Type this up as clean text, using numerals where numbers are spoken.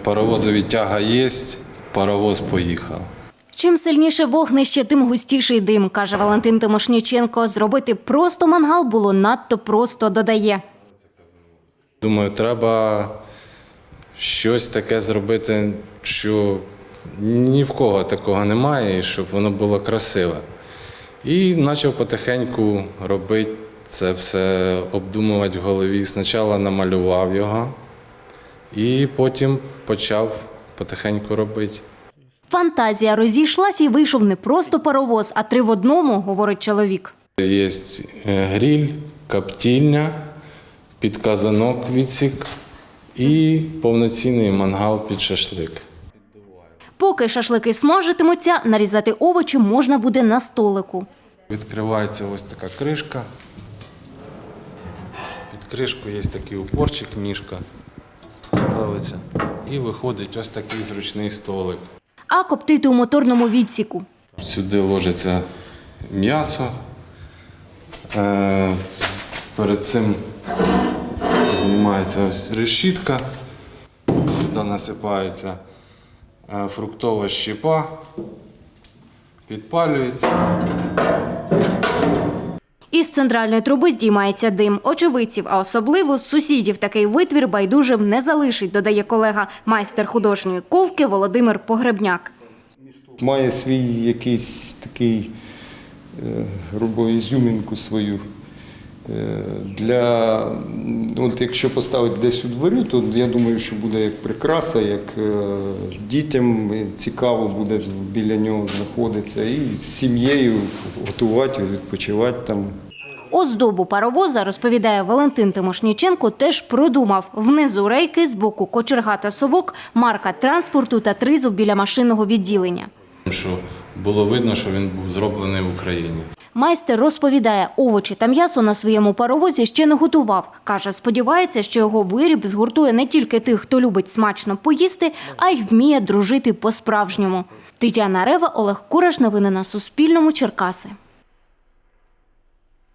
Паровозові тяга є, паровоз поїхав. Чим сильніше вогнище, тим густіший дим, каже Валентин Тимошніченко. Зробити просто мангал було надто просто, додає. Думаю, треба щось таке зробити, що ні в кого такого немає, і щоб воно було красиве. І почав потихеньку робити це все, обдумувати в голові. Спочатку намалював його, і потім почав потихеньку робити. Фантазія розійшлась і вийшов не просто паровоз, а 3 в одному, говорить чоловік. Є гриль, коптильня, підказанок відсік і повноцінний мангал під шашлик. Поки шашлики смажитимуться, нарізати овочі можна буде на столику. Відкривається ось така кришка. Під кришкою є такий упорчик, ніжка ставиться. І виходить ось такий зручний столик. А коптити у моторному відсіку. Сюди ложиться м'ясо. Перед цим знімається ось решітка. Сюди насипається фруктова щепа, підпалюється. Із центральної труби здіймається дим. Очевидців, а особливо сусідів, такий витвір байдужим не залишить, додає колега, майстер художньої ковки Володимир Погребняк. Має свій якийсь такий, грубо, ізюмінку свою. От якщо поставити десь у дворі, то я думаю, що буде як прикраса, як дітям цікаво буде біля нього знаходитися і з сім'єю готувати, відпочивати там. Оздобу паровоза, розповідає Валентин Тимошніченко, теж продумав. Внизу рейки, збоку кочерга та совок, марка транспорту та тризуб біля машинного відділення. Що було видно, що він був зроблений в Україні. Майстер розповідає, овочі та м'ясо на своєму паровозі ще не готував. Каже, сподівається, що його виріб згуртує не тільки тих, хто любить смачно поїсти, а й вміє дружити по-справжньому. Тетяна Рева, Олег Кураш. Новини на Суспільному. Черкаси.